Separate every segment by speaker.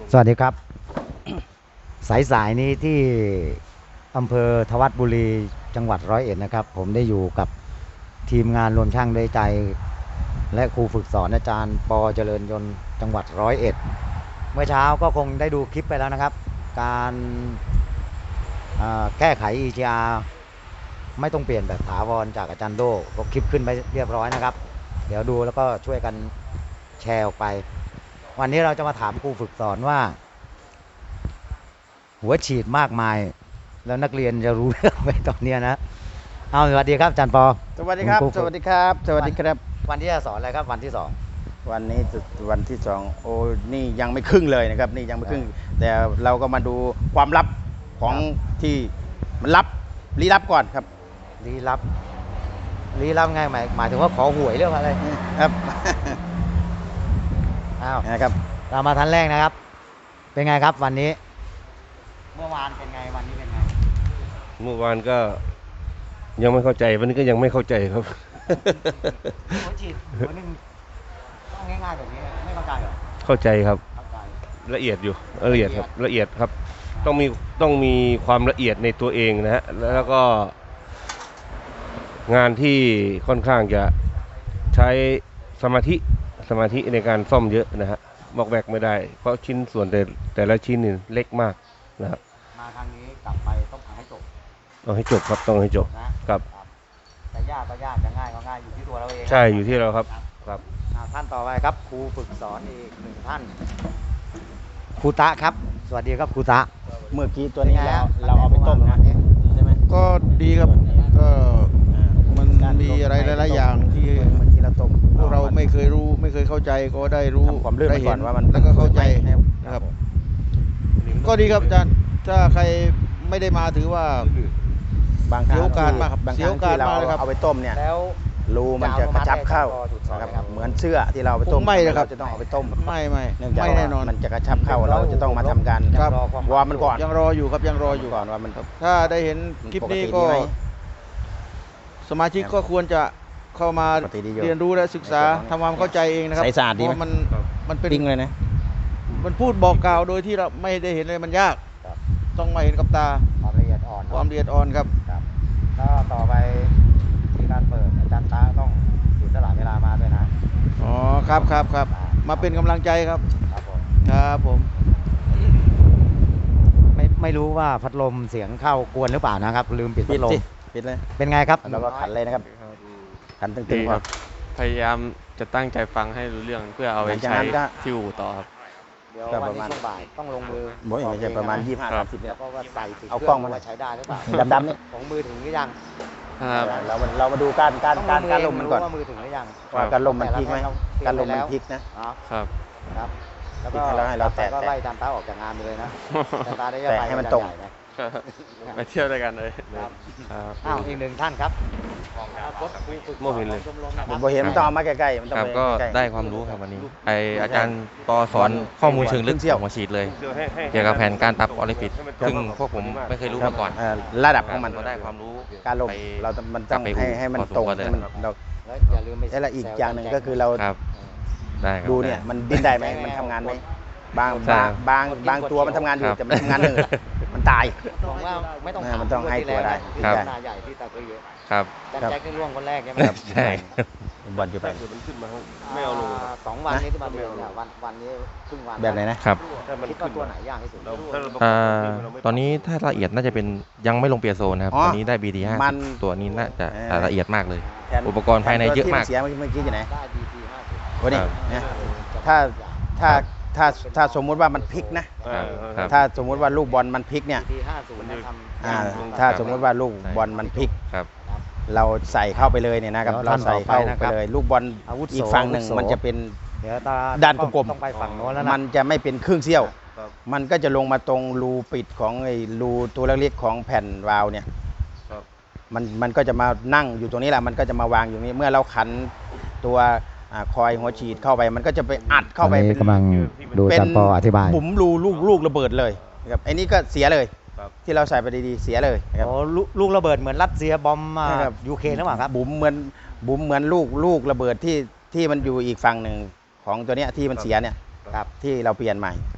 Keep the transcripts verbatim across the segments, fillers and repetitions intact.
Speaker 1: สวัสดีครับ สายสายนี้ที่อำเภอทวัดบุรีจังหวัดร้อยเอ็ดนะครับผมได้อยู่กับทีมงานรวมช่างด้วยใจและครูฝึกสอนอาจารย์ปอเจริญยนต์จังหวัดร้อยเอ็ดเมื่อเช้าก็คงได้ดูคลิปไปแล้วนะครับการแก้ไข อี จี อาร์ ไม่ต้องเปลี่ยนแบบถาวรจากอาจารย์โดก็คลิปขึ้นไปเรียบร้อยนะครับเดี๋ยวดูแล้วก็ช่วยกันแชร์ออกไปวันนี้เราจะมาถามครูฝึกสอนว่าหัวฉีดมากมายแล้วนักเรียนจะรู้เรื่องไหมตอนนี้นะเอาสวัสดีครับอาจารย์ปอ
Speaker 2: สวัสดีครับสวัสดีครับสวัสดีครับ
Speaker 1: วันที่จะสอนอะไรครับวันที่สอง
Speaker 2: วันนี้วันที่สองโอ้นี่ยังไม่ครึ่งเลยนะครับนี่ยังไม่ครึ่งแต่เราก็มาดูความลับของที่มันลับลี้ลับก่อนครับ
Speaker 1: ลี้ลับลี้ลับไงหมายหมายถึงว่าขอหวยเรื่องอะไร
Speaker 2: ครับ
Speaker 1: อ้าว
Speaker 2: นะครับ
Speaker 1: เรามาทันแรกนะครับเป็นไงครับวันนี้เมื่อวานเป็นไงวันนี้เป็นไง
Speaker 3: เมื่อวานก็ยังไม่เข้าใจวันนี้ก็ยังไม่เข้าใจครับ
Speaker 1: หัวฉีดหัวหนึ่งต้องง่ายๆแบบนี้ไม่เข้าใจเหรอ
Speaker 3: เข้าใจครับละเอียดอยู่ละเอียดครับละเอียดครับต้องมีต้องมีความละเอียดในตัวเองนะฮะแล้วก็งานที่ค่อนข้างจะใช้สมาธิสมาธิในการซ่อมเยอะนะฮะบอกแบกไม่ได้เพราะชิ้นส่วนแต่แต่ละชิ้นนี่เล็กมากนะครับ
Speaker 1: มาทางนี้กลับไปต้องทำให้จบ
Speaker 3: ต้องให้จบครับต้องให้จบครับ
Speaker 1: จะยากก็ยากจะง่ายก็ง่ายอยู่ที่ตัวเราเอง
Speaker 3: ใช่อยู่ที่เราครับครับ
Speaker 1: ท่านต่อไปครับครูฝึกสอนอีกหนึ่งท่านครูตะครับสวัสดีครับครูตะ
Speaker 2: เมื่อกี้ตัวนี้เราเราเอาไปต้มนะใช่ไหม
Speaker 4: ก็ดีครับก็มันมีอะไรหลายๆอย่างที่
Speaker 2: เราต้ม
Speaker 4: พวกเราไม่เคยรู้ไม่เคยเข้าใจก็ได้รู้ได้เห็นว่ามันแล้วก็เข้าใจนะครับก็ดีครับอาจารย์ถ้าใครไม่ได้มาถือว่า
Speaker 2: บางครั้ง
Speaker 4: เสียโอกาสมากครับ
Speaker 2: เสียโอกาสมากเลยครับเอาไปต้มเนี่ย
Speaker 1: แล้ว
Speaker 2: รูมันจะกระชับเข้านะครับเหมือนเสื้อที่เราไปต้ม
Speaker 4: ไม่นะครับ
Speaker 2: จะต้องเอาไปต้ม
Speaker 4: ไม่ไม่
Speaker 2: ไม่แน่นอนมันจะกระชับเข้าเราจะต้องมาทำการวอร์มมันก่อน
Speaker 4: ยังรออยู่ครับยังรออยู่
Speaker 2: ก่อนว่ามัน
Speaker 4: ถ้าได้เห็นคลิปนี้ก็สมาชิกก็ควรจะเข้ามาเรียนรู้และศึกษาทำความเข้าใจเองนะครับ
Speaker 2: เพราะ
Speaker 4: มันมันเป็น
Speaker 2: จริงเลยนะ
Speaker 4: มันพูดบอกกล่าวโดยที่เราไม่ได้เห็นเลยมันยากต้องมาเห็นกับตา
Speaker 1: ความละเอียดอ่อน
Speaker 4: ความละเอียดอ่อนครับ
Speaker 1: ก็ต่อไปที่การเปิดอาจารย์ตาต้องเสียสละเวลามาด้วยนะ
Speaker 4: อ๋อครับครับครับมาเป็นกำลังใจครับ
Speaker 1: ครับผม
Speaker 4: ครับผม
Speaker 1: ไม่ไม่รู้ว่าพัดลมเสียงเข้ากวนหรือเปล่านะครับลืมปิดพัดลม
Speaker 2: ปิดเลย
Speaker 1: เป็นไงครับ
Speaker 2: เราก็ขันเลยนะครับขันตึงๆครับ
Speaker 5: พยายามจะตั้งใจฟังให้รู้เรื่องเพื่อเอาไปใช้ที่อู่ต่อครับ
Speaker 1: เดี๋ยววันนี้ช่วงบ่ายต้องลงมือ
Speaker 2: บ่อยไม่ใช่ประมาณยี่สิบห้าสามสิบเนี่ย
Speaker 1: เพราะว่าใส่
Speaker 2: เอากล้องมา
Speaker 1: ใช้ได้หรือเปล่า
Speaker 2: ดำๆนี่
Speaker 1: ของมือถึงหรือยัง
Speaker 2: เราเรามาดูการการการการลมมันก่อน
Speaker 1: ว่ามือถึงหรือยัง
Speaker 2: ว่าการลมมันพลิกไหมการลมมันพลิกนะครับ
Speaker 1: ครับแล้วก็ให้เราแตะก็ไล่จานตาออกจากงานเลยนะจานตาได้
Speaker 2: แตะให้มันตรง
Speaker 5: ไปเที่ยวด้วยกันเลย
Speaker 1: อ้าวอีกหนึ่งท่านครับ
Speaker 3: โมเห็นเลย
Speaker 2: ผมเห็นมันต้องเอามาใกล้ๆมันต้อง
Speaker 6: ก็ได้ความรู้ครับวันนี้ไออาจารย์ปอสอนข้อมูลเชิงลึกของหัวฉีดเลยเกี่ยวกับแผนการปรับออริฟิตซึ่งพวกผมไม่เคยรู้มาก่อน
Speaker 2: ระดับของมัน
Speaker 6: ก็ได้ความรู้
Speaker 2: การลมเรามันต้องให้ให้มันตรงให้มันเรา
Speaker 1: อย่าลืมไม่
Speaker 2: แล้วอีกอย่างหนึ่งก็คือเราดูเนี่ยมันดิ้นได้ไหมมันทำงานไหมบางบางบางบางตัวมันทำงานอยู่แต่มันทำงานหนึ่งมันตาย
Speaker 1: บอกว่าไม่ต้อง
Speaker 2: มันต้องให้ตัวได้
Speaker 1: ครับนาใหญ่ที่ตะกุยเยอะ
Speaker 6: ครับ
Speaker 1: แจ็คที่ร่วงคนแรกใช่ไหม
Speaker 6: ใช่
Speaker 2: บอลอยู่ไป
Speaker 3: มันขึ้นมาไม่เอาลง
Speaker 1: สองวันนี้ที่มาเดือนเนี่ยวันวันนี้ครึ่งวัน
Speaker 2: แบบไหนนะครับ
Speaker 1: คิดว่าตัวไหนยากที่สุด
Speaker 6: ตอนนี้ถ้าละเอียดน่าจะเป็นยังไม่ลงเปียโซนะครับตอนนี้ได้ บี ที ห้าสิบตัวนี้น่าจะละเอียดมากเลยอุปกรณ์ภายในเยอะมาก
Speaker 2: เสียเมื่อกี้อยู่ไหน
Speaker 1: ได้ บี ที ห้าสิบ
Speaker 2: วันนี้ถ้าถ้าถ้าถ้าสมมุติว่ามันพลิกนะถ้าสมมุติว่าลูกบอลมันพลิกเนี่ยถ้าสมมุติว่าลูกบอลมันพลิกเราใส่เข้าไปเลยเนี่ยนะครับเราใส่เข้าไปเลยลูกบอลอีกฝั่งหนึ่งมันจะเป็นด้านกลมๆมันจะไม่เป็นครึ่งเสี้ยวมันก็จะลงมาตรงรูปิดของไอ้รูตัวเล็กๆของแผ่นวาล์วเนี่ยมันมันก็จะมานั่งอยู่ตรงนี้แหละมันก็จะมาวางอยู่นี้เมื่อเราขันตัวคอยหัวฉีดเข้าไปมันก็จะไปอัดเข้าไป
Speaker 1: กำลังดูอาจารย์ปออธิบาย
Speaker 2: บุ๋มรูลูกลูกระเบิดเลยครับไอ้นี่ก็เสียเลยที่เราใส่ไปดีๆเสียเลย
Speaker 1: ครับโอ้ลูกระเบิดเหมือนรัสเซียบอมยูเครนหรือเปล่าครับ
Speaker 2: บุ๋มเหมือนบุ๋มเหมือนลูกลูกระเบิดที่ที่มันอยู่อีกฝั่งหนึ่งของตัวเนี้ยที่มันเสียเนี่ยครับที่เราเปลี่ยนใหม่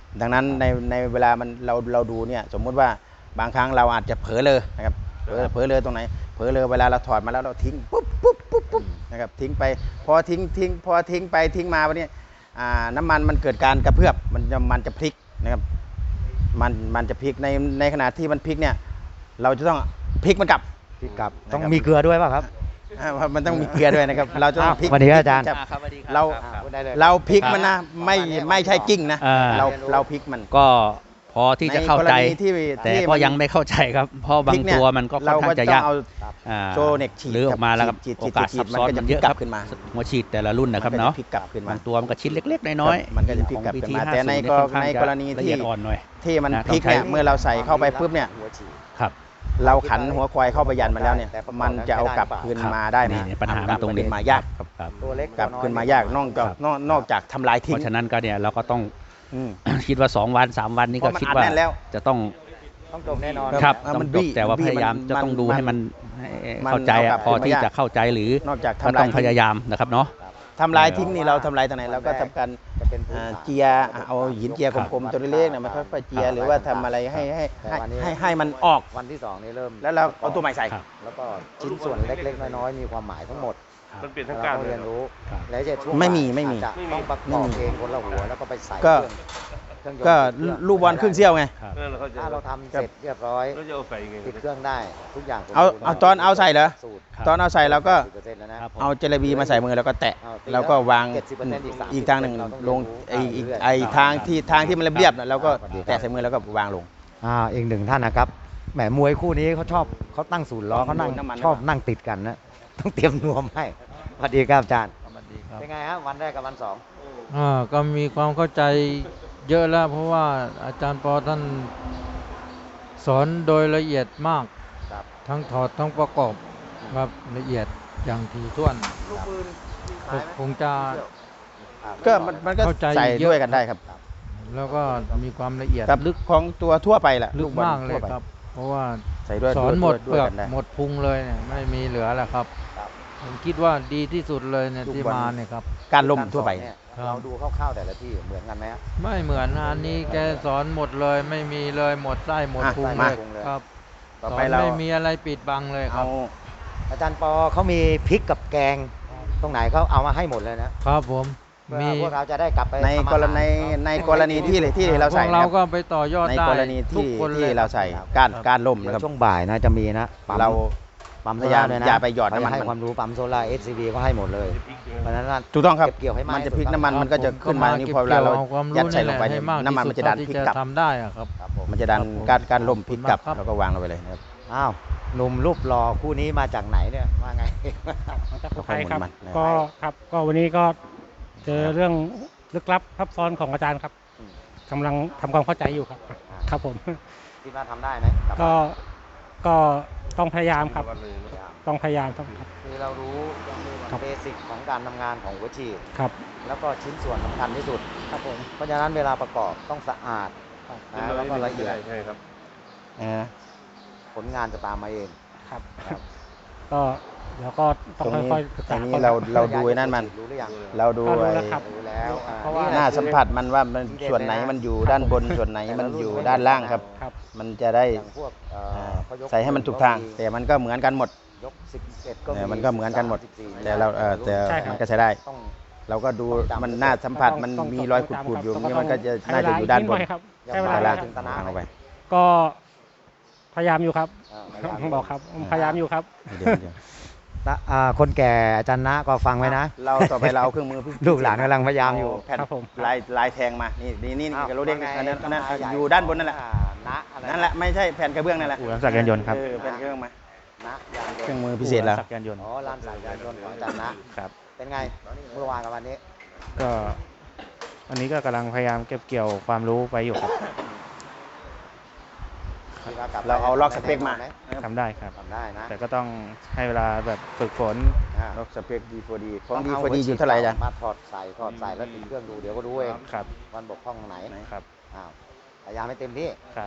Speaker 2: ดังนั้นในในเวลามันเราเราดูเนี่ยสมมุติว่าบางครั้งเราอาจจะเผลอเลยนะครับเผลอเผลอเลยตรงไหนเผลอเลยเวลาเราถอดมาแล้วเราทิ้งปุ๊บปุ๊บปุ๊บปุ๊บนะครับทิ้งไปพอทิ้งทิ้งพอทิ้งไปทิ้งมาวันนี้อ่าน้ำมันมันเกิดการกระเพื่อมมันจะมันจะพลิกนะครับมันมันจะพลิกในในขณะที่มันพลิกเนี่ยเราจะต้องพลิกมันกลับ
Speaker 1: พริกกับต้องมีเกลือด้วยป่ะครับ
Speaker 2: อ่ามันต้องมีเกลือด้วยนะครับเราจะต้องพลิก
Speaker 1: สวัสดีครับอาจารย์
Speaker 2: ครับเราเราพลิกมันนะไม่ไม่ใช่กิ้งนะ
Speaker 7: อ่า
Speaker 2: เราเราพลิกมัน
Speaker 7: ก็พอที่จะเข้าใจ
Speaker 2: ในกรณีที่
Speaker 7: แต่
Speaker 2: ที่
Speaker 7: ก็
Speaker 2: มัน
Speaker 7: ยังไม่เข้าใจครับ เพราะบางตัวมันก็ค่อนข้างจะยาก
Speaker 2: เรก็ต้อง
Speaker 7: อ่า
Speaker 2: เอาโซเน็กฉีด
Speaker 7: หรือออกมาแล้วครับ
Speaker 2: ฉีด
Speaker 7: โอ
Speaker 2: ฉีด
Speaker 7: กาส
Speaker 2: ฉี
Speaker 7: ซั
Speaker 2: ด
Speaker 7: บซ้อน
Speaker 2: มันก็
Speaker 7: มัน
Speaker 2: จะ
Speaker 7: เยอะ
Speaker 2: พลิกกลั
Speaker 7: ครับ บ
Speaker 2: ขึ้นมา
Speaker 7: หัวฉีดแต่ละรุ่นนะครับ
Speaker 2: มัก็
Speaker 7: เนาะ
Speaker 2: พลิกกลับขึ้นมา
Speaker 7: บางตัวมันก็ชิ้นเล็กๆน้อย
Speaker 2: มันก็จะพลิกกลับ
Speaker 7: ของ
Speaker 2: ขึ้นมา
Speaker 7: วี
Speaker 2: แต่ใน
Speaker 7: ที
Speaker 2: กร
Speaker 7: ห้าสิบ
Speaker 2: ในกรณี
Speaker 7: ละ
Speaker 2: ที่
Speaker 7: เอียดอ่อนหน่อย
Speaker 2: ที่มัน
Speaker 7: นะ
Speaker 2: พลิกเนี่ย
Speaker 7: ต้องใช้
Speaker 2: เมื่อเราใส่เข้าไปปุ๊บเนี่ย
Speaker 7: ครับ
Speaker 2: เราขันหัวควายเข้าไปยันมาแล้วเนี่ยมันจะเอากลับคืนมาได้ไหม
Speaker 7: นี่ปัญหามันตรงนี้
Speaker 2: ขึ้นมายาก
Speaker 7: ครับครับ
Speaker 1: ตัวเล็ก
Speaker 2: กลับขึ้นมายากนอกจากนอกนอกจากทำลาย
Speaker 7: เพ
Speaker 2: ทิ้ง
Speaker 7: ราะฉะนั้นก็เนี่ยเราก็ต้อง
Speaker 2: อืม
Speaker 7: คิดว่าสองวันสามวันนี้
Speaker 2: เพ
Speaker 7: ก็
Speaker 2: ราะมัน
Speaker 7: คิด
Speaker 2: อัด
Speaker 7: ว่า
Speaker 2: แน่นแล้ว
Speaker 7: จะต้อง
Speaker 1: ต้องจบแน่นอน
Speaker 7: ครับ
Speaker 2: อ่ะ
Speaker 7: ต้
Speaker 2: มั
Speaker 7: อน ง
Speaker 2: บี้
Speaker 7: จบแต่ว่า
Speaker 2: บี้
Speaker 7: พยายาม
Speaker 2: มัน
Speaker 7: จะต้อง
Speaker 2: มัน
Speaker 7: ดูให้มัน
Speaker 2: มัน
Speaker 7: เข้าใจ
Speaker 2: เอากลั
Speaker 7: อะ
Speaker 2: บ
Speaker 7: พอ
Speaker 2: ขึ้นมา
Speaker 7: ที่
Speaker 2: ยาก
Speaker 7: จะเข้าใจหรือน
Speaker 2: อกจาก
Speaker 7: ก็
Speaker 2: ทำ
Speaker 7: ต้
Speaker 2: ลา
Speaker 7: อย งพ
Speaker 2: ทิ้ง
Speaker 7: ยายามนะครับเนาะ
Speaker 2: ทำลายทิ้งนี่เราทำลายตรงไหนเราก็ทำการ
Speaker 1: จะเป็นพื้น
Speaker 2: อ่า
Speaker 1: ฐาน
Speaker 2: เจียเอาหินเจียกลมๆตัวเล็กๆเนี่ยมาค่อยๆเจียหรือว่าทำอะไรให้ให้ให้ให้ให้มันออก
Speaker 1: วันที่สองนี่เริ่ม
Speaker 2: แล้วเราเอาตัวใหม่ใส่
Speaker 7: ครับ
Speaker 1: แล้วก็ชิ้นส่วนเล็กๆน้อยๆมีความหมายทั้งหมด
Speaker 3: มันเป็น
Speaker 1: เรา
Speaker 3: ทั้งการ
Speaker 1: ต้องเรียนรู้
Speaker 7: ครับ
Speaker 1: แล้วจะช่วง
Speaker 2: ไม่มี
Speaker 1: บ่าย
Speaker 2: ไม่มี
Speaker 1: อาจจะต้องประกอบเองคนละหัวแล้วก็ไปใส่
Speaker 2: ก็
Speaker 1: เครื่องเครื่องยนต์
Speaker 2: ก็
Speaker 1: เครื่อง
Speaker 2: ลูกบอลครึ่งเสี้ยวไง
Speaker 7: ครับ
Speaker 3: นั่นแหละเขาจะ
Speaker 1: ถ้าเราทำเสร็จเรียบร้อย
Speaker 3: เราจะเอาใส่ยังไง
Speaker 1: ติดเครื่องได้ทุกอย่างสม
Speaker 2: เอา
Speaker 1: บูรณ์
Speaker 2: เอาตอนเอาใส่เหรอ
Speaker 1: สูตร
Speaker 7: ครับ
Speaker 2: ตอนเอาใส่เราก็
Speaker 1: สิบเปอร์เซ็นต์แล้วนะครับ
Speaker 7: ผม
Speaker 2: เอาเจลาบีมาใส่มือแล้วก็แตะ
Speaker 1: เอาตี
Speaker 2: แล้วก็วาง
Speaker 1: เจ็ดสิบเปอร์เซ็นต์อีกสามสิบ
Speaker 2: อีกทางหนึ่ง
Speaker 1: เราต้อง
Speaker 2: ลง
Speaker 1: เรียนรู้
Speaker 2: ไออีก
Speaker 1: เรื่อยๆ
Speaker 2: ไอทางที่ทางที่มันเรียบๆน่ะเราก็
Speaker 1: ครับ
Speaker 2: แตะใส่มือแล้วก็วางลง
Speaker 1: อ่าอีกหนึ่งท่านนะครับแหมมวยคู่นี้เขาชอบเขาตั้งศูนย์ล้อเขานั่ง
Speaker 2: น้ำมัน
Speaker 1: ชอบนั่งติดกันนะต้องเตรียมนวมให้สวัสดีครับอาจารย์
Speaker 8: ครับ
Speaker 1: เป็นไงฮะวันแรกกับวันสอง
Speaker 8: อ่าก็มีความเข้าใจเยอะแล้ว เพราะว่าอาจารย์ปอท่านสอนโดยละเอียดมาก
Speaker 1: ครับ
Speaker 8: ทั้งถอดทั้งประกอบครับละเอียดอย่างถี่ถ้วนผมคงจะ
Speaker 2: ก็มันมันก็
Speaker 8: เข้าใจ
Speaker 2: ใส่
Speaker 8: เยอะ
Speaker 2: ด้วยกันได้ครับ
Speaker 8: แล้วก็มีความละเอียด
Speaker 2: กับลึกของตัวทั่วไปแหละ
Speaker 8: ลึก
Speaker 2: บอ
Speaker 8: มากเลย
Speaker 2: ทั่วไป
Speaker 8: ครับ เพราะว่า
Speaker 2: ใส่ด้วย
Speaker 8: สอนหมด
Speaker 2: ด้
Speaker 8: เป
Speaker 2: วย
Speaker 8: ลือก
Speaker 2: กันได้
Speaker 8: หมดพุงเลยเนี่ยไม่มีเหลือแล้วครับ ผมคิดว่าดีที่สุดเลยเนี่ย
Speaker 2: ลูก
Speaker 8: ที่
Speaker 2: บอล
Speaker 8: มาเนี่ยครับ
Speaker 2: การล่มทั่วไป
Speaker 1: เนี่ย
Speaker 8: ครับ
Speaker 1: เราดูคร่าวๆแต่ละที่เหมือนกันไหมฮะ
Speaker 8: ไม่เหมือนนะอันนี้แกสอนหมดเลยไม่มีเลยหมดไส้หมด
Speaker 2: อ่ะ
Speaker 8: พุง
Speaker 2: มา
Speaker 8: เลยครับ
Speaker 2: ต่อ
Speaker 8: สอ
Speaker 2: ไป
Speaker 8: น
Speaker 2: เรา
Speaker 8: ไม่มีอะไรปิดบังเลยค
Speaker 2: เอา
Speaker 8: รับ
Speaker 1: อาจารย์ปอเขามีพริกกับแกง ตรงไหนเขาเอามาให้หมดเลยนะครับ
Speaker 8: ผม
Speaker 1: เพื่อ
Speaker 8: มี
Speaker 1: พวกเราจะได้กลับไป
Speaker 2: ใน
Speaker 1: ทำอาหาร
Speaker 2: กรณีในกรณีที่ที่เรา
Speaker 8: พ
Speaker 2: ใส่
Speaker 8: วก
Speaker 2: นะ
Speaker 8: เรา
Speaker 2: ครับ
Speaker 8: ก็ไปต่อยอด
Speaker 2: ใน
Speaker 8: ได้
Speaker 2: กรณี
Speaker 8: ทุก
Speaker 2: ที่
Speaker 8: คน
Speaker 2: ที่
Speaker 8: ลย
Speaker 2: เราใส่การการล่ม
Speaker 1: เดี๋ย
Speaker 2: นะครับ
Speaker 1: วช่วงบ่ายนะจะมีนะปั๊ม
Speaker 2: เรา
Speaker 1: ปั๊มโซ
Speaker 2: พยายา
Speaker 1: ล่าม ด้วยนะ
Speaker 2: อย่าไปหยอดน้ำมัน
Speaker 1: เขาจะให้
Speaker 2: มัน
Speaker 1: ความรู้ปั๊มโซล่า เอส ซี บี ก็ให้หมดเลยเพราะฉะนั้น
Speaker 2: ถูกต้องครับ
Speaker 1: เก็บเกี่ยวให้มาก
Speaker 2: มันจะ
Speaker 1: ที่สุด
Speaker 2: พลิกน้ำมัน
Speaker 8: ครับ
Speaker 2: มันก็จะขึ้นมา
Speaker 8: ผ
Speaker 2: นี่
Speaker 8: ก็
Speaker 2: พอเวลาเรา
Speaker 8: ก็บความ
Speaker 2: ยัด
Speaker 8: รู้
Speaker 2: ใส่ลงไป
Speaker 8: ให้
Speaker 2: เนี่ย
Speaker 8: มาก
Speaker 2: น้ำมันมันจะดัน
Speaker 8: ที่
Speaker 2: พลิ
Speaker 8: สุ
Speaker 2: ก
Speaker 8: ด
Speaker 2: กลับ
Speaker 8: เท่าที่จะทำได้อะครับ
Speaker 1: ครับผม
Speaker 2: มันจะดัน
Speaker 8: ครับผม
Speaker 2: การการล่มพลิกกลับ
Speaker 8: ขอบคุณมากครับ
Speaker 2: แล้วก็วางลงไปเลยนะครับ
Speaker 1: อ้าวหนุ่มรูปหล่อคู่นี้มาจากไหนเนี่ยว่าไง
Speaker 9: มาจาก
Speaker 2: ก็
Speaker 9: สุ
Speaker 2: ค่อย
Speaker 9: ไทย
Speaker 2: หมุน
Speaker 9: ครับ
Speaker 2: มันนะครับ
Speaker 9: ก็ครับก็วันนี้ก็เจอเรื่องลึกลับซับซ้อนของอาจารย์ครับ
Speaker 1: อืม
Speaker 9: กำลังทำความเข้าใจอยู่ครับ ครับผม
Speaker 1: คิดว่าทำได้ไหมลับ
Speaker 9: ก็
Speaker 1: มา
Speaker 9: ก็ต้องพยายามครับ ต้องพยายามต้องครับ
Speaker 1: คือเรารู้
Speaker 9: ครับ
Speaker 1: เบสิกของการทำงานของหัวฉีด
Speaker 9: ครับ
Speaker 1: แล้วก็ชิ้นส่วนสำคัญที่สุด
Speaker 9: ครับผม
Speaker 1: เพราะฉะนั้นเวลาประกอบต้องสะอาดนะแล้วก็ละเอียด
Speaker 3: ใช่ครับ
Speaker 2: เออ
Speaker 1: ผลงานจะตามมาเอง
Speaker 9: ครับ
Speaker 1: ครับ
Speaker 9: ก็แล้วก็ต้อง
Speaker 2: ตรงนี้
Speaker 9: ค่อยๆศึก
Speaker 2: ตร
Speaker 9: ษาง
Speaker 2: นี้เราเราดูไอ้นั่นมัน
Speaker 1: รู้หรือยัง
Speaker 2: เราดู
Speaker 9: ก็รู้
Speaker 2: ไอ้
Speaker 9: แล้วครับ
Speaker 1: รู้แล้วอ่
Speaker 9: เพราะว่า
Speaker 1: แหละ
Speaker 2: หน้าสัมผัสมันว่ามัน
Speaker 1: ที่เด่น
Speaker 2: ส่วนไหน
Speaker 1: เลยนะ
Speaker 2: มันอยู่ด้านบนส่วนไหนมันอยู่ด้านล่างครับ
Speaker 9: ครับ
Speaker 2: มันจะได้
Speaker 1: อย่างพวกเอ่อ
Speaker 2: อ่า
Speaker 1: เขายก
Speaker 2: ใส่ให้มันถูกทาง แต่มันก็เหมือนกันหมด
Speaker 1: ยกสิบเอ็ดก็
Speaker 2: เออมันก็เหมือนกันหมด
Speaker 1: สิบสี่
Speaker 2: แต่เราเออแต่
Speaker 9: ใช่ครับ
Speaker 2: มันก็ใช้ได้
Speaker 1: ต้อง
Speaker 2: เราก็ดูมันหน้าสัมผัสมัน
Speaker 9: ต้อง
Speaker 2: มี
Speaker 9: ต้อง
Speaker 2: รอย
Speaker 9: ต้อง
Speaker 2: ขูดๆอยู่
Speaker 9: ต้อง
Speaker 2: นี่มันก็จะ
Speaker 9: ใช้
Speaker 2: น่าจะอยู่ด้านบน
Speaker 9: เวลอีกดหอยครับ
Speaker 1: อย่า
Speaker 9: ใช้เว
Speaker 1: มา
Speaker 9: ลา
Speaker 2: ด้าน
Speaker 1: ถึงตะนะ
Speaker 2: วางลงไป
Speaker 9: ก็พยายามอยู่ครับ
Speaker 1: อ่าพยายาม
Speaker 9: บอกครับพยายามอยู่ครับ
Speaker 2: เดี๋ยวเดี๋ยว
Speaker 1: ตะอ่าคนแก่อาจารย์นะก็ฟังไว้นะ
Speaker 2: เราต่อไปเราเอาเครื่องมือพิเศษ
Speaker 1: ลูกหลานกำลังพยายามอยู่
Speaker 2: เแผ่น
Speaker 9: ครับผม
Speaker 2: ลายลายแทงมานี่นี่นี่
Speaker 1: อ้าว
Speaker 2: กระโหลกเด้ง
Speaker 1: ว่าไ
Speaker 2: อันนั้นอันนั้น
Speaker 1: ต้งข
Speaker 2: อยู่ด้านบนนั่นแหละ
Speaker 1: อ่านะอะไร
Speaker 2: นั่นแหละไม่ใช่แผ่นกระเบื้องนั่นแหละ
Speaker 6: อู่รับจักรยานยนต์ครับ
Speaker 2: เออแผ่นกระเบื้องมา
Speaker 1: นะยานย
Speaker 2: เครื่อน ง
Speaker 1: ต์
Speaker 2: มือพิเศษแล้ว
Speaker 6: จักรยานยนต์
Speaker 1: อ๋อร้านสายยานยนต์ของอาจารย์นะครับ เป็นไงเมื่อวานกับวันนี้
Speaker 6: ก็วันนี้ก็กำลังพยายามเก็บเกี่ยวความรู้ไปอยู่ครับ
Speaker 1: คิดว่กลับไป
Speaker 2: เราเอาล็อกสเปคมา
Speaker 1: ไห
Speaker 6: ทำได้ครับ
Speaker 1: ทำได้นะ
Speaker 6: แต่ก็ต้องให้เวลาแบบฝึกฝน
Speaker 1: อ่า
Speaker 2: ล็อกสเปคดีพอดีของ
Speaker 1: ต้
Speaker 2: ดี
Speaker 1: เา
Speaker 2: พอดีอยู่เท่าไหร่จ๊ะ
Speaker 1: มาถอดใส่ถอดใส่แล้วติดเครื่องดูเดี๋ยวก็รู้เอง
Speaker 6: ครับ
Speaker 1: วันบกพร่องตรงไหน
Speaker 6: ครับ
Speaker 1: อ้าวพยายามให้เต็มที่
Speaker 6: ครับ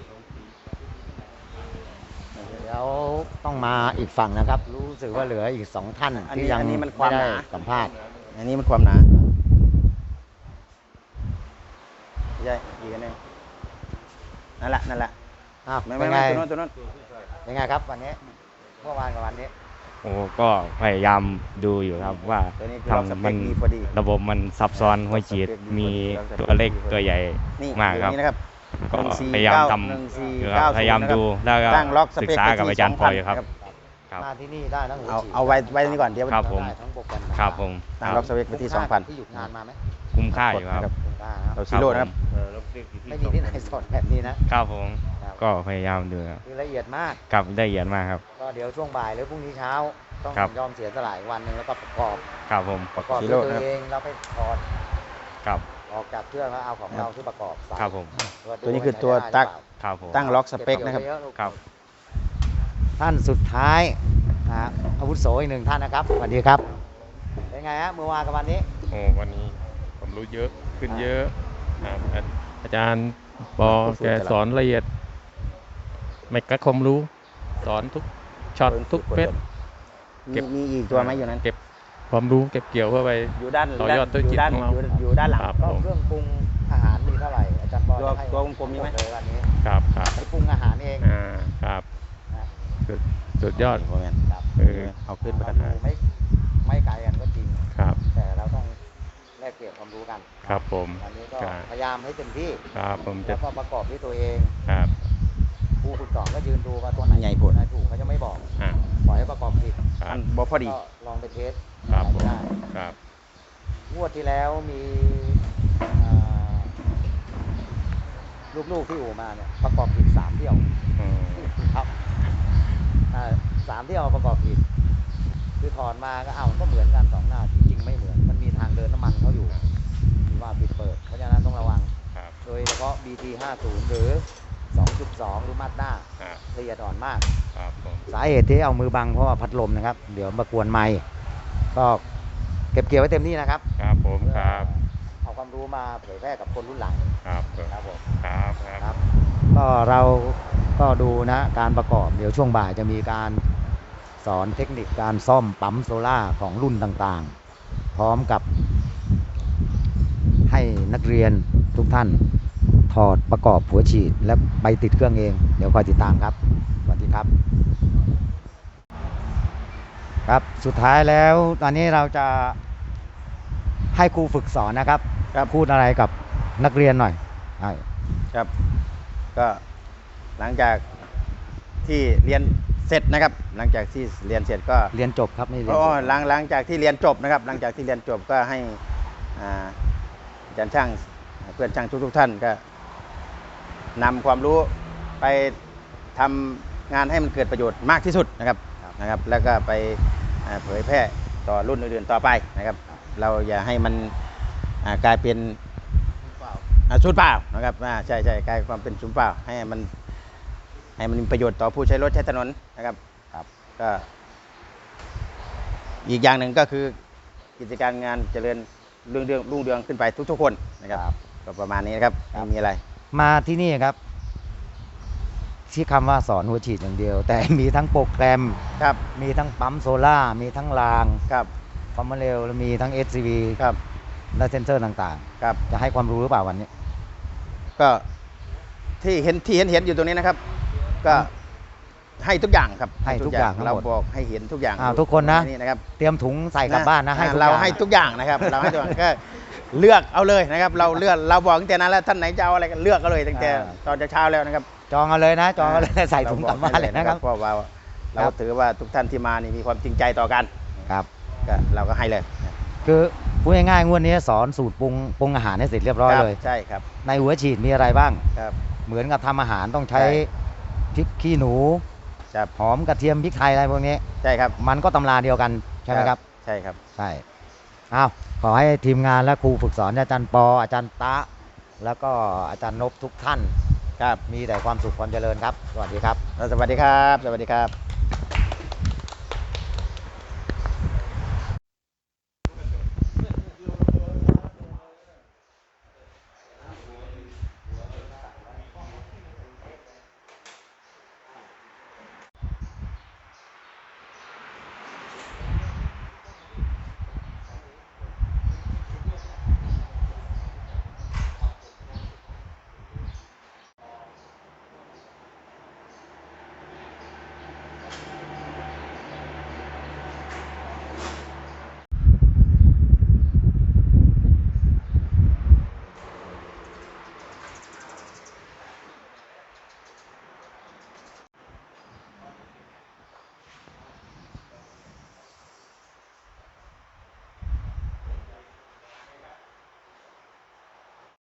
Speaker 1: เดี๋ยวต้องมาอีกฝั่งนะครับ รู้สึกว่าเหลืออีกสองท่าน
Speaker 2: อันนี้
Speaker 1: ที่ยัง
Speaker 2: อันนี้มันความ
Speaker 1: ไได้
Speaker 2: หนา
Speaker 1: สัมภาษณ์
Speaker 2: อันนี้มันความหนาใช่อีกอันหนึงนั่นแหละนั่นแหละ
Speaker 1: อ้าว
Speaker 2: ไม่
Speaker 1: เป็
Speaker 2: ไม่
Speaker 1: นไง
Speaker 2: ไม่ตัวนู้นตัวนู้น
Speaker 1: เป็นไงครับวันนี้เมื่อวานกับวันนี้
Speaker 10: โอ้ก็พยายามดูอยู่ครับว่า
Speaker 2: ตัวนี้คือล็อกส
Speaker 10: ทำ
Speaker 2: เป
Speaker 10: มั
Speaker 2: คน ดีพอดี
Speaker 10: ระบบมันซับซ้อนหัวฉีดมีตัวเล็กตัวใหญ่
Speaker 2: นี่
Speaker 10: มากครับ
Speaker 2: ตัวนี้นะครับ
Speaker 10: ก็
Speaker 2: หนึ่งสี่
Speaker 10: พยายาม
Speaker 2: เก้
Speaker 10: ท
Speaker 2: หนึ่งสี่
Speaker 10: ำอยู่ค
Speaker 2: เก้
Speaker 10: รับพยายาม
Speaker 2: ศูน
Speaker 10: ดูแล้วก็
Speaker 2: ตั้งล็อกส
Speaker 10: ศึก
Speaker 2: เปค
Speaker 10: ษา
Speaker 2: ไป
Speaker 10: กับ
Speaker 2: ที่
Speaker 10: อาจารย์
Speaker 2: ส
Speaker 10: ป
Speaker 2: อง
Speaker 10: อ
Speaker 2: พัน
Speaker 10: ยครับ
Speaker 2: นะครับ
Speaker 10: ครับ
Speaker 1: มาที่นี่ได้ทั้งหัว
Speaker 2: เอา
Speaker 1: ฉีด
Speaker 2: เอาไว้ไว้นี่ก่อนเดี๋ยว
Speaker 10: ครับผม
Speaker 1: ได้ทั้งโปรแกรม
Speaker 10: ครับผม
Speaker 2: ตั้งล็อกสเปคไปที่สองพัน
Speaker 1: ที่หยุดงานมาไหม
Speaker 10: คุ้มค่าอยู่ครับ
Speaker 1: คุ้มค่านะค
Speaker 2: เรา
Speaker 1: รับ
Speaker 2: ซีโร่นะครับ
Speaker 1: ไม่มีที่ไหนสอนแบบนี้นะครับ
Speaker 10: ผม
Speaker 1: ครับ
Speaker 10: ก็พยายามดูครับ
Speaker 1: คือละเอียดมาก
Speaker 10: กับได้ละเอียดมากครับ
Speaker 1: ก็เดี๋ยวช่วงบ่ายหรือพรุ่งนี้เช้า ต้อง
Speaker 10: ครับ
Speaker 1: ยอมเสียสละอีกวันหนึ่งแล้วก็ประกอบ
Speaker 10: ครับผม
Speaker 1: ประกอบ
Speaker 2: ซี
Speaker 1: ด้วย
Speaker 2: โร่
Speaker 1: ตัว
Speaker 2: นะครับ
Speaker 1: เองเราไปถอด
Speaker 10: ครับ
Speaker 1: ออกจากเครื่องแล้วเอาของเราที่ประกอบใส่
Speaker 10: ครับผม
Speaker 1: าดู
Speaker 2: ตัวนี้คือ
Speaker 1: า
Speaker 2: ตัว
Speaker 1: ใช้ได้
Speaker 2: ตัก
Speaker 1: หรือเปล่า
Speaker 10: ครับผม
Speaker 2: ตั้งล็อกสเปคนะครับ
Speaker 1: ก็บเกี่ยวไว้เยอลูก
Speaker 10: ครับ
Speaker 1: ท่านสุดท้ายนะฮะอาวุโสอีกหนึ่งท่านนะครับสวัสดีครับเป็นไงฮะเมื่อวานกับวันนี้
Speaker 11: โอ้วันนี้ผมรู้เยอะขึ้นเยอะครับอาอาจารย์ปอแกสอนละเอียด ไม่กักความรู้ สอนทุกช็อตทุกเม็ด
Speaker 2: มี
Speaker 11: เก็บ
Speaker 2: มีอีกตัวไหมอยู่นั้น
Speaker 11: เก็บความรู้เก็บเกี่ยวเพื่อไป
Speaker 2: อยู่ด้าน
Speaker 11: ต่อยอดธุรกิจ
Speaker 2: ด้าน
Speaker 11: ของเรา
Speaker 2: อยู่อยู่ด้านหลัง
Speaker 11: ครับ
Speaker 1: ก็เครื่องปรุงอาหารมีเท่าไหร่อาจารย์ปอ
Speaker 2: ตัว
Speaker 1: จะให้
Speaker 2: ตัวกลมๆมีไหม
Speaker 1: เลยวันนี้
Speaker 11: ครับครับ
Speaker 1: ไปปรุงอาหารเอง
Speaker 11: อ่าครับ
Speaker 1: นะ
Speaker 11: สุดสุดยอด
Speaker 2: โอ้แมน
Speaker 1: ครับ
Speaker 11: เออ
Speaker 2: เอาขึ้นไป
Speaker 1: เรา
Speaker 2: กัน
Speaker 1: ดูไม่ไม่ไกลกันก็จริง
Speaker 11: ครับ
Speaker 1: แต่เราต้องแลกเปลี่ยนความรู้กัน
Speaker 11: ครับผม
Speaker 1: วันนี้ก็
Speaker 11: ครับ
Speaker 1: พยายามให้เต็มที่
Speaker 11: ครับผมจะ
Speaker 1: แล้วก็ประกอบด้วยตัวเอง
Speaker 11: ครับ
Speaker 1: ครูฝึกสอนก็ยืนดูว่าตัวไหน
Speaker 2: ใหญ่ผล
Speaker 1: ไหนถูกเขาจะไม่บอก
Speaker 11: อ่า
Speaker 1: ปล่อยให้ประกอบผิด
Speaker 11: ครั
Speaker 2: มั
Speaker 11: บ
Speaker 2: นบ่พอดี
Speaker 1: ก็ลองไปเทส
Speaker 11: ครับ
Speaker 1: อะไร
Speaker 11: ผม
Speaker 1: ได้
Speaker 11: ครับ
Speaker 1: งวดที่แล้วมีอ่าลูกๆที่อู่มาเนี่ยประกอบผิดสามเที่ยว
Speaker 11: อืม
Speaker 1: ครับอ่าสามเที่ยวประกอบผิดคือถอนมาก็อ้าวมันก็เหมือนกันสองหน้าจริงๆไม่เหมือนมันมีทางเดินน้ำมันเขาอยู่ที่ว่าปิดเปิด เพราะฉะนั้นต้องระวัง
Speaker 11: ครับ
Speaker 1: โดยเฉพาะ บี ที ห้าสิบ หรือ สองจุดสอง หรือมาด้า
Speaker 11: ครับ
Speaker 1: ละเอียดอ่อนมาก
Speaker 11: ครับผม
Speaker 1: สาเหตุที่เอามือบังเพราะว่าพัดลมนะครับ เดี๋ยวมากวนไม้ก็เก็บเกี่ยวไว้เต็มที่นะครับ
Speaker 11: ครับผมครับ
Speaker 1: เอาความรู้มาเผยแพร่กับคนรุ่นหลัง
Speaker 11: ครับ
Speaker 1: ครับผม
Speaker 11: ครับค
Speaker 1: ครับ รับก็เราก็ดูนะการประกอบเดี๋ยวช่วงบ่ายจะมีการสอนเทคนิคการซ่อมปั๊มโซล่าของรุ่นต่างๆ พร้อมกับให้นักเรียนทุกท่านถอดประกอบหัวฉีดและไปติดเครื่องเอง เดี๋ยวคอยติดตามครับสวัสดีครับ ครับสุดท้ายแล้วตอนนี้เราจะให้ครูฝึกสอนนะครับ
Speaker 2: ครับ
Speaker 1: พูดอะไรกับนักเรียนหน่อยใช่
Speaker 2: ครับ ก็หลังจากที่เรียนเสร็จนะครับ หลังจากที่เรียนเสร็จก็
Speaker 1: เรียนจบครับไม่เรียน
Speaker 2: อ๋
Speaker 1: จ
Speaker 2: อบ หลังหลังจากที่เรียนจบนะครับ หลังจากที่เรียนจบก็ให้อ่าอาจารย์ช่างเพื่อนช่างทุกๆท่านก็นำความรู้ไปทำงานให้มันเกิดประโยชน์มากที่สุดนะครับนะครับ แล้วก็ไปอ่าเผยแพร่ต่อรุ่นอื่นๆต่อไปนะครับ เราอย่าให้มันอ่ากลายเป็นอ่าศูนย์เปล่านะครับอ่าใช่ใช่กลายความเป็นศูนย์เปล่าให้มันให้มันมีประโยชน์ต่อผู้ใช้รถใช้ถนนนะครับครับก็อีกอย่างหนึ่งก็คือกิจการงานเจริญรุ่งเรืองรุ่งเรืองขึ้นไปทุกๆคนนะครับก็ประมาณนี้นะครับไม่มีอะไร
Speaker 1: มาที่นี่ครับที่คำว่าสอนหัวฉีดอย่างเดียว แต่มีทั้งโปรแกรม
Speaker 2: ครับ
Speaker 1: มีทั้งปั๊มโซล่ามีทั้งราง
Speaker 2: ครับ
Speaker 1: ความเร็วและมีทั้ง เอส ซี วี
Speaker 2: ครับ
Speaker 1: และเซนเซอร์ต่าง
Speaker 2: ครับ
Speaker 1: ๆ จะให้ความรู้หรือเปล่าวันนี้
Speaker 2: ก็ที่เห็นที่เห็นเห็นอยู่ตรงนี้นะครับ ก็ให้ทุกอย่างครับ
Speaker 1: ให้ทุกอย่างทั้ง
Speaker 2: เรา
Speaker 1: หมด
Speaker 2: บอกให้เห็นทุกอย่าง
Speaker 1: อ่าทุกคนนะ
Speaker 2: นี่นะครับ
Speaker 1: เตรียมถุงใส่กลับบ้านนะให้ทุก
Speaker 2: เรา
Speaker 1: อย่าง
Speaker 2: ให้ทุกอย่างนะครับ เราให้ทุกอย่างก็เลือกเอาเลยนะครับ เราเลือกเราบอกตั้งแต่นั้นแล้วท่านไหนจะเอาอะไรก็เลือกเอาเลยตั้งแต่ตอนเช้าแล้วนะครับ
Speaker 1: จองเอาเลยนะจองเอาเลยใส่ถุงกลับบ้านเลยนะครับ
Speaker 2: เพราะว่าเราถือว่าทุกท่านที่มานี่มีความจริงใจต่อกัน
Speaker 1: ครับ
Speaker 2: ก็เราก็ให้เลย
Speaker 1: คือพูดง่ายๆงวดนี้สอนสูตรปรุงปรุงอาหารให้เสร็จเรียบร้อย
Speaker 2: ครับ
Speaker 1: เลย
Speaker 2: ใช่ครับ
Speaker 1: ในหัวฉีดมีอะไรบ้าง
Speaker 2: ครับ
Speaker 1: เหมือนกับทำอาหารต้องใช้
Speaker 2: ใช่
Speaker 1: พริกขี้หนู
Speaker 2: ครับ
Speaker 1: หอมกระเทียมพริกไทยอะไรพวกนี้
Speaker 2: ใช่ครับ
Speaker 1: มันก็ตำราเดียวกันใช่ไหมครับ
Speaker 2: ใช่ครับ
Speaker 1: ใช่อ้าวขอให้ทีมงานและครูฝึกสอนอาจารย์ปออาจารย์ตะ แล้วก็อาจารย์นพทุกท่าน
Speaker 2: ครับ
Speaker 1: มีแต่ความสุขความเจริญครับ สวัสดีครับ
Speaker 2: สวัสดีครับ สวัสดีครับ